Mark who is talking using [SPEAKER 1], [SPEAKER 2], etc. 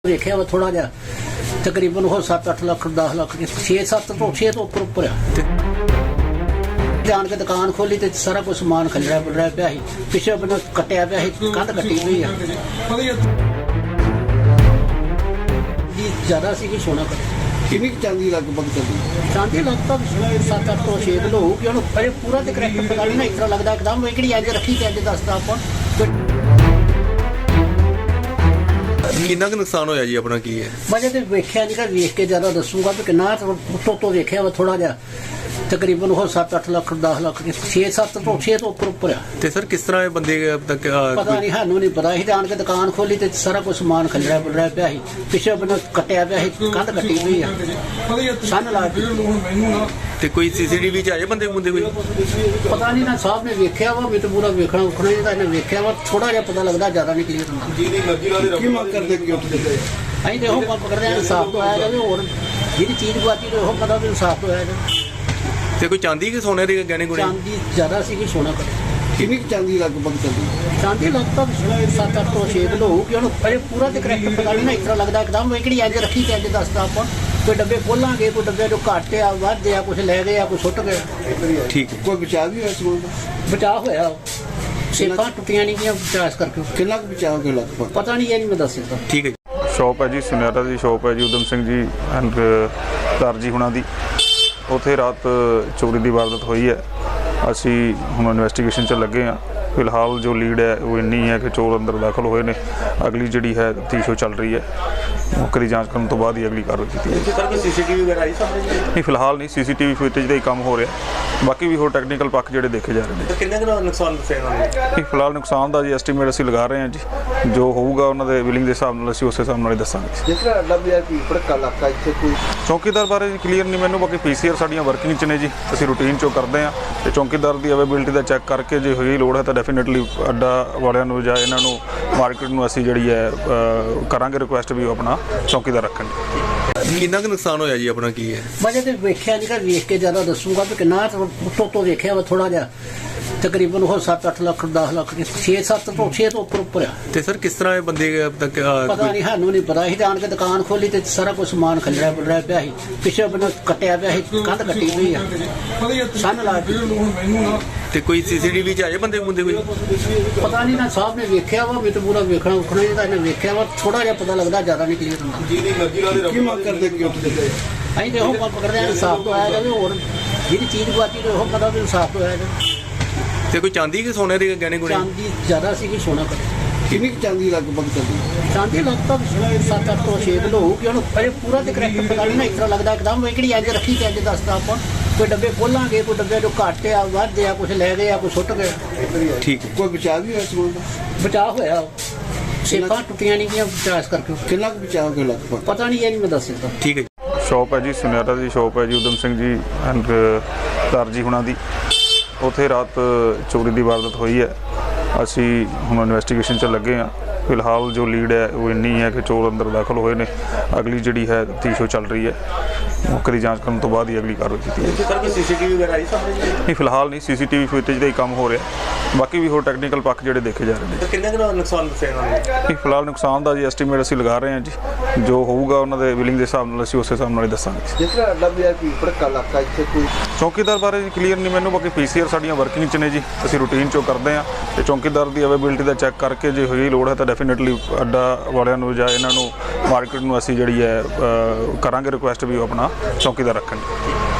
[SPEAKER 1] देखा वा थोड़ा जा तकरीबन हो 7-8 लाख 10 लाख 6-7 तो 6 तो ऊपर जान के दुकान खोली तो सारा कुछ समान खलरा पिलरा पिया ਸੀ पिछले बनो कटिया पिया ਸੀ कंध कट्टी हुई है ज्यादा सी कि सोना कर
[SPEAKER 2] कितनी चांदी लगभग चली
[SPEAKER 1] चांदी लगभग 7-8 तो 6 किलो होगी ਉਹਨੂੰ ਅਰੇ ਪੂਰਾ ਤੇ ਕਰੈਕਟ ਪਤਾ ਨਹੀਂ ਨਾ ਇਤਰਾ ਲੱਗਦਾ ਇੱਕਦਮ ਇਹ ਕਿਹੜੀ ਅੱਜ ਰੱਖੀ ਤੇ ਅੱਜ ਦੱਸਦਾ ਆਪਾਂ
[SPEAKER 3] ਕਿੰਨਾ ਕੁ ਨੁਕਸਾਨ ਹੋਇਆ ਜੀ ਆਪਣਾ ਕੀ ਹੈ
[SPEAKER 1] ਮੈਂ ਤੇ ਵੇਖਿਆ ਨਹੀਂ ਕਿ ਵੇਖ ਕੇ ਜ਼ਿਆਦਾ ਦੱਸੂਗਾ ਕਿ ਕਿੰਨਾ ਤੋਂ ਵੇਖਿਆ ਵਾ ਥੋੜਾ ਜਿਹਾ ਤਕਰੀਬਨ ਉਹ 7-8 ਲੱਖ 10 ਲੱਖ 6-7 ਤੋਂ 6 ਤੋਂ ਉੱਪਰ ਆ
[SPEAKER 3] ਤੇ ਸਰ ਕਿਸ ਤਰ੍ਹਾਂ ਇਹ ਬੰਦੇ ਤੱਕ
[SPEAKER 1] ਪਤਾ ਨਹੀਂ ਸਾਨੂੰ ਨਹੀਂ ਪਤਾ ਸੀ ਜਾਣ ਕੇ ਦੁਕਾਨ ਖੋਲੀ ਤੇ ਸਾਰਾ ਕੁਝ ਸਮਾਨ ਖਲਰਾ ਪਿਲਰਾ ਪਿਆ ਸੀ ਪਿਛਲੇ ਬनो ਕਟਿਆ ਪਿਆ ਸੀ ਕੰਧ ਕੱਟੀ ਹੋਈ ਆ ਸੰਨ ਲਾ ਕੇ
[SPEAKER 3] ਤੇ ਕੋਈ ਸੀਸੀਟੀਵੀ ਚ ਆਏ ਬੰਦੇ ਮੁੰਡੇ ਕੋਈ
[SPEAKER 1] ਪਤਾ ਨਹੀਂ ਨਾ ਸਾਹਿਬ ਨੇ ਵੇਖਿਆ ਵਾ ਮੈਨੂੰ ਪੂਰਾ ਵੇਖਣਾ ਉਖਣਾ ਨਹੀਂ ਤਾਂ ਇਹਨੇ ਵੇਖਿਆ ਵਾ ਥੋੜਾ ਜਿਹਾ ਪਤਾ ਲੱਗਦਾ ਜ਼ਿਆਦਾ ਨਹੀਂ ਕਲੀਅਰ ਹੁੰਦਾ
[SPEAKER 2] ਜਿਹਦੀ ਮਰਜ਼ੀ ਲਾ ਦੇ ਕੀ ਮੰਗ ਕਰਦੇ ਕਿ ਉੱਠ ਦੇ
[SPEAKER 1] ਅਸੀਂ ਤੇ ਉਹ ਪਕੜਦੇ ਆ ਇਨਸਾਫ ਤੋਂ ਆਇਆ ਜਾਵੇ ਹੋਰ ਜਿਹੜੀ ਚੀਜ਼ ਗਵਾਚੀ ਤੇ ਉਹ ਪਤਾ ਵੀ ਇਨਸਾਫ ਤੋਂ ਆਇਆ ਜਾਵੇ
[SPEAKER 3] ਤੇ ਕੋਈ ਚਾਂਦੀ ਕਿ ਸੋਨੇ ਦੇ ਗਹਿਣੇ ਗੁਣੇ
[SPEAKER 1] ਚਾਂਦੀ ਜ਼ਿਆਦਾ ਸੀ ਕਿ ਸੋਨਾ ਕਰ
[SPEAKER 2] ਕਿੰਨੀ ਚਾਂਦੀ ਲੱਗਭਗ ਚਲੀ
[SPEAKER 1] ਚਾਂਦੀ ਲੱਗਭਗ 7-8 ਤੋਂ 6 ਕਿਲੋ ਹੋਊਗੀ ਉਹਨੂੰ ਅਰੇ ਪੂਰਾ ਤੇ ਕਰੈਕਟ ਪਤਾ ਨਹੀਂ ਨਾ ਇਤਰਾ ਲੱਗਦਾ ਇੱਕਦਮ ਇਹ ਕਿਹੜੀ ਅੱਜ ਰੱਖੀ ਤੇ ਅੱਜ ਦੱਸਦਾ ਆਪਾਂ ਕੋਈ ਡੱਬੇ ਖੋਲਾਂਗੇ ਕੋਈ ਡੱਬੇ ਜੋ ਘੱਟ ਆ ਵੱਧ ਆ ਕੁਝ ਲੈ ਗਏ ਆ ਕੋਈ ਸੁੱਟ ਗਏ
[SPEAKER 3] ਠੀਕ ਹੈ
[SPEAKER 2] ਕੋਈ ਬਚਾਅ ਵੀ ਹੋਇਆ ਸਮਾਨ ਦਾ
[SPEAKER 1] ਬਚਾਅ ਹੋਇਆ ਸੇਫਾਂ ਟੁੱਟੀਆਂ ਨਹੀਂ ਗਈਆਂ ਬਚਾਅ ਕਰਕੇ
[SPEAKER 2] ਕਿੰਨਾ ਕੁ ਬਚਾਅ ਹੋ ਗਿਆ ਲੱਗਭਗ
[SPEAKER 1] ਪਤਾ ਨਹੀਂ ਇਹ ਨਹੀਂ ਮੈਂ ਦੱਸ ਸਕਦਾ
[SPEAKER 3] ਠੀਕ ਹੈ ਜੀ।
[SPEAKER 4] ਸ਼ੌਪ ਹੈ ਜੀ ਸੁਨਿਆਰਾ ਦੀ ਸ਼ੌਪ ਹੈ ਜੀ ਉਦਮ ਸਿੰਘ ਜੀ ਐਂਡ ਦਰਜੀ ਹੁਣਾਂ ਦੀ ਉੱਥੇ ਰਾਤ ਚੋਰੀ ਦੀ ਵਾਰਦਾਤ ਹੋਈ ਹੈ। ਅਸੀਂ ਹੁਣ ਇਨਵੈਸਟੀਗੇਸ਼ਨ 'ਚ ਲੱਗੇ ਹਾਂ। ਫਿਲਹਾਲ ਜੋ ਲੀਡ ਹੈ ਉਹ ਇੰਨੀ ਹੈ ਕਿ ਚੋਰ ਅੰਦਰ ਦਾਖਲ ਹੋਏ ਨੇ। ਅਗਲੀ ਜਿਹੜੀ ਹੈ ਤਫਤੀਸ਼ ਉਹ ਚੱਲ ਰਹੀ ਹੈ। ਮੌਕੇ ਦੀ ਜਾਂਚ ਕਰਨ ਤੋਂ ਬਾਅਦ ਹੀ ਅਗਲੀ ਕਾਰਵਾਈ ਕੀਤੀ ਜਾਏਗੀ।
[SPEAKER 3] ਸਰ ਕੋਈ ਸੀਸੀਟੀਵੀ ਵਗੈਰਾ ਆਈ ਸਾਹਮਣੇ
[SPEAKER 4] ਨਹੀਂ ਫਿਲਹਾਲ ਨਹੀਂ ਸੀਸੀਟੀਵੀ ਫੁਟੇਜ ਦਾ ਹੀ ਕੰਮ ਹੋ ਰਿਹਾ। ਬਾਕੀ ਵੀ ਹੋਰ ਟੈਕਨੀਕਲ ਪੱਖ ਜਿਹੜੇ ਦੇਖੇ ਜਾ ਰਹੇ ਨੇ।
[SPEAKER 3] ਕਿੰਨੇ ਕੁ ਨੁਕਸਾਨ ਦੱਸਿਆ ਇਹਨਾਂ ਨੇ
[SPEAKER 4] ਨਹੀਂ ਫਿਲਹਾਲ ਨੁਕਸਾਨ ਦਾ ਜੀ ਐਸਟੀਮੇਟ ਅਸੀਂ ਲਗਾ ਰਹੇ ਹਾਂ ਜੀ। ਜੋ ਹੋਊਗਾ ਉਹਨਾਂ ਦੇ ਬਿਲਿੰਗ ਦੇ ਹਿਸਾਬ ਨਾਲ ਅਸੀਂ ਉਸੇ ਹਿਸਾਬ ਨਾਲ ਹੀ ਦੱਸਾਂਗੇ।
[SPEAKER 2] ਜਿਸ ਤਰ੍ਹਾਂ ਅੱਡਾ ਬਾਜ਼ਾਰ ਕੀ ਭੜਕਾ ਇਲਾਕਾ ਇੱਥੇ ਕੋਈ
[SPEAKER 4] ਚੌਕੀਦਾਰ ਬਾਰੇ ਕਲੀਅਰ ਨਹੀਂ ਮੈਨੂੰ। ਬਾਕੀ ਪੀਸੀਆਰ ਸਾਡੀਆਂ ਵਰਕਿੰਗ 'ਚ ਨੇ ਜੀ। ਅਸੀਂ ਰੂਟੀਨ 'ਚੋਂ ਕਰਦੇ ਹਾਂ ਤੇ ਚੌਕੀਦਾਰ ਦੀ ਅਵੇਬਿਲਿਟੀ ਦਾ ਚੈੱਕ ਕਰਕੇ ਜੇ ਹੋਈ ਲੋੜ ਹੈ ਤਾਂ ਡੈਫੀਨੇਟਲੀ ਅੱਡਾ ਵਾਲਿਆਂ ਨੂੰ ਜਾਂ ਇਹਨਾਂ ਨੂੰ ਮਾਰਕੀਟ ਨੂੰ ਅਸੀਂ ਜਿਹੜੀ ਹੈ ਕਰਾਂਗੇ ਰਿਕੁਐਸਟ ਵੀ ਉਹ ਆਪਣਾ ਚੌਕੀਦਾਰ ਰੱਖਣ।
[SPEAKER 3] ਕਿੰਨਾ ਕੁ ਨੁਕਸਾਨ ਹੋਇਆ ਜੀ ਆਪਣਾ ਕੀ ਹੈ
[SPEAKER 1] ਮੈਂ ਤੇ ਵੇਖਿਆ ਨਹੀਂ ਕਿ ਵੇਖ ਕੇ ਜ਼ਿਆਦਾ ਦੱਸੂਗਾ ਕਿ ਕਿੰਨਾ ਤੋਂ ਵੇਖਿਆ ਵਾ ਥੋੜਾ ਜਿਹਾ ਤਕਰੀਬਨ ਉਹ 7-8 ਲੱਖ 10 ਲੱਖ 6-7 ਤੋਂ 6 ਤੋਂ ਉੱਪਰ ਆ
[SPEAKER 3] ਤੇ ਸਰ ਕਿਸ ਤਰ੍ਹਾਂ ਇਹ ਬੰਦੇ ਤੱਕ
[SPEAKER 1] ਪਤਾ ਨਹੀਂ ਸਾਨੂੰ ਨਹੀਂ ਪਤਾ ਸੀ ਜਾਣ ਕੇ ਦੁਕਾਨ ਖੋਲੀ ਤੇ ਸਾਰਾ ਕੁਝ ਸਮਾਨ ਖਲਰਾ ਪਿਲਰਾ ਪਿਆ ਸੀ ਪਿਛਲੇ ਬनो ਕਟਿਆ ਪਿਆ ਸੀ ਕੰਧ ਕੱਟੀ ਹੋਈ ਆ ਸੰਨ ਲਾ ਕੇ
[SPEAKER 3] ਤੇ ਕੋਈ ਸੀਸੀਟੀਵੀ ਚ ਆਏ ਬੰਦੇ ਮੁੰਡੇ ਕੋਈ
[SPEAKER 1] ਪਤਾ ਨਹੀਂ ਨਾ ਸਾਹਿਬ ਨੇ ਵੇਖਿਆ ਵਾ ਮੈਨੂੰ ਪੂਰਾ ਵੇਖਣਾ ਉਖਣਾ ਨਹੀਂ ਤਾਂ ਇਹਨੇ ਵੇਖਿਆ ਵਾ ਥੋੜਾ ਜਿਹਾ ਪਤਾ ਲੱਗਦਾ ਜ਼ਿਆਦਾ ਨਹੀਂ ਕਲੀਅਰ ਹੁੰਦਾ
[SPEAKER 2] ਜਿਹਦੀ ਮਰਜ਼ੀ ਲਾ ਦੇ ਕੀ ਮੰਗ ਕਰਦੇ ਕਿ ਉੱਠ ਦੇ
[SPEAKER 1] ਅਸੀਂ ਤੇ ਉਹ ਪਕੜਦੇ ਆ ਇਨਸਾਫ ਤੋਂ ਆਇਆ ਜਾਵੇ ਹੋਰ ਜਿਹੜੀ ਚੀਜ਼ ਗਵਾਚੀ ਤੇ ਉਹ ਪਤਾ ਵੀ ਇਨਸਾਫ ਤੋਂ ਆਇਆ ਜਾਵੇ
[SPEAKER 3] ਤੇ ਕੋਈ ਚਾਂਦੀ ਕਿ ਸੋਨੇ ਦੇ ਗਹਿਣੇ ਗੁਣੇ
[SPEAKER 1] ਚਾਂਦੀ ਜ਼ਿਆਦਾ ਸੀ ਕਿ ਸੋਨਾ ਕਰ
[SPEAKER 2] ਕਿੰਨੀ ਚਾਂਦੀ ਲੱਗਭਗ ਚਲੀ
[SPEAKER 1] ਚਾਂਦੀ ਲੱਗਭਗ 7-8 ਤੋਂ 6 ਕਿਲੋ ਹੋਊਗੀ ਉਹਨੂੰ ਅਰੇ ਪੂਰਾ ਤੇ ਕਰੈਕਟ ਪਤਾ ਨਹੀਂ ਨਾ ਇਤਰਾ ਲੱਗਦਾ ਇੱਕਦਮ ਇਹ ਕਿਹੜੀ ਅੱਜ ਰੱਖੀ ਤੇ ਅੱਜ ਦੱਸਦਾ ਆਪਾਂ ਕੋਈ ਡੱਬੇ ਖੋਲਾਂਗੇ ਕੋਈ ਡੱਬੇ ਜੋ ਘੱਟ ਆ ਵੱਧ ਆ ਕੁਝ ਲੈ ਗਏ ਆ ਕੋਈ ਸੁੱਟ ਗਏ
[SPEAKER 3] ਠੀਕ ਹੈ
[SPEAKER 2] ਕੋਈ ਬਚਾਅ ਵੀ ਹੋਇਆ ਸਮਾਨ ਦਾ
[SPEAKER 1] ਬਚਾਅ ਹੋਇਆ ਸੇਫਾਂ ਟੁੱਟੀਆਂ ਨਹੀਂ ਗਈਆਂ ਬਚਾਅ ਕਰਕੇ
[SPEAKER 2] ਕਿੰਨਾ ਕੁ ਬਚਾਅ ਹੋ ਗਿਆ ਲੱਗਭਗ
[SPEAKER 1] ਪਤਾ ਨਹੀਂ ਇਹ ਨਹੀਂ ਮੈਂ ਦੱਸ ਸਕਦਾ
[SPEAKER 3] ਠੀਕ ਹੈ ਜੀ।
[SPEAKER 4] ਸ਼ੌਪ ਹੈ ਜੀ ਸੁਨਿਆਰਾ ਦੀ ਸ਼ੌਪ ਹੈ ਜੀ ਉਦਮ ਸਿੰਘ ਜੀ ਐਂਡ ਦਰਜੀ ਹੁਣਾਂ ਦੀ ਉੱਥੇ ਰਾਤ ਚੋਰੀ ਦੀ ਵਾਰਦਾਤ ਹੋਈ ਹੈ। ਅਸੀਂ ਹੁਣ ਇਨਵੈਸਟੀਗੇਸ਼ਨ 'ਚ ਲੱਗੇ ਹਾਂ। ਫਿਲਹਾਲ ਜੋ ਲੀਡ ਹੈ ਉਹ ਇੰਨੀ ਹੈ ਕਿ ਚੋਰ ਅੰਦਰ ਦਾਖਲ ਹੋਏ ਨੇ। ਅਗਲੀ ਜਿਹੜੀ ਹੈ ਤਫਤੀਸ਼ ਉਹ ਚੱਲ ਰਹੀ ਹੈ। ਮੌਕੇ ਦੀ ਜਾਂਚ ਕਰਨ ਤੋਂ ਬਾਅਦ ਹੀ ਅਗਲੀ ਕਾਰਵਾਈ ਕੀਤੀ ਜਾਏਗੀ।
[SPEAKER 3] ਸਰ ਕੋਈ ਸੀਸੀਟੀਵੀ ਵਗੈਰਾ ਆਈ ਸਾਹਮਣੇ
[SPEAKER 4] ਨਹੀਂ ਫਿਲਹਾਲ ਨਹੀਂ ਸੀਸੀਟੀਵੀ ਫੁਟੇਜ ਦਾ ਹੀ ਕੰਮ ਹੋ ਰਿਹਾ। ਬਾਕੀ ਵੀ ਹੋਰ ਟੈਕਨੀਕਲ ਪੱਖ ਜਿਹੜੇ ਦੇਖੇ ਜਾ ਰਹੇ ਨੇ।
[SPEAKER 3] ਕਿੰਨੇ ਕੁ ਨੁਕਸਾਨ ਦੱਸਿਆ ਇਹਨਾਂ ਨੇ
[SPEAKER 4] ਨਹੀਂ ਫਿਲਹਾਲ ਨੁਕਸਾਨ ਦਾ ਜੀ ਐਸਟੀਮੇਟ ਅਸੀਂ ਲਗਾ ਰਹੇ ਹਾਂ ਜੀ। ਜੋ ਹੋਊਗਾ ਉਹਨਾਂ ਦੇ ਬਿਲਿੰਗ ਦੇ ਹਿਸਾਬ ਨਾਲ ਅਸੀਂ ਉਸੇ ਹਿਸਾਬ ਨਾਲ ਹੀ ਦੱਸਾਂਗੇ।
[SPEAKER 2] ਜਿਸ ਤਰ੍ਹਾਂ ਅੱਡਾ ਬਾਜ਼ਾਰ ਕੀ ਭੜਕਾ ਇਲਾਕਾ ਇੱਥੇ ਕੋਈ
[SPEAKER 4] ਚੌਕੀਦਾਰ ਬਾਰੇ ਕਲੀਅਰ ਨਹੀਂ ਮੈਨੂੰ। ਬਾਕੀ ਪੀਸੀਆਰ ਸਾਡੀਆਂ ਵਰਕਿੰਗ 'ਚ ਨੇ ਜੀ। ਅਸੀਂ ਰੂਟੀਨ 'ਚੋਂ ਕਰਦੇ ਹਾਂ ਤੇ ਚੌਕੀਦਾਰ ਦੀ ਅਵੇਬਿਲਿਟੀ ਦਾ ਚੈੱਕ ਕਰਕੇ ਜੇ ਹੋਈ ਲੋੜ ਹੈ ਤਾਂ ਡੈਫੀਨੇਟਲੀ ਅੱਡਾ ਵਾਲਿਆਂ ਨੂੰ ਜਾਂ ਇਹਨਾਂ ਨੂੰ ਮਾਰਕੀਟ ਨੂੰ ਅਸੀਂ ਜਿਹੜੀ ਹੈ ਕਰਾਂਗੇ ਰਿਕੁਐਸਟ ਵੀ ਉਹ ਆਪਣਾ ਚੌਕੀਦਾਰ ਰੱਖਣ।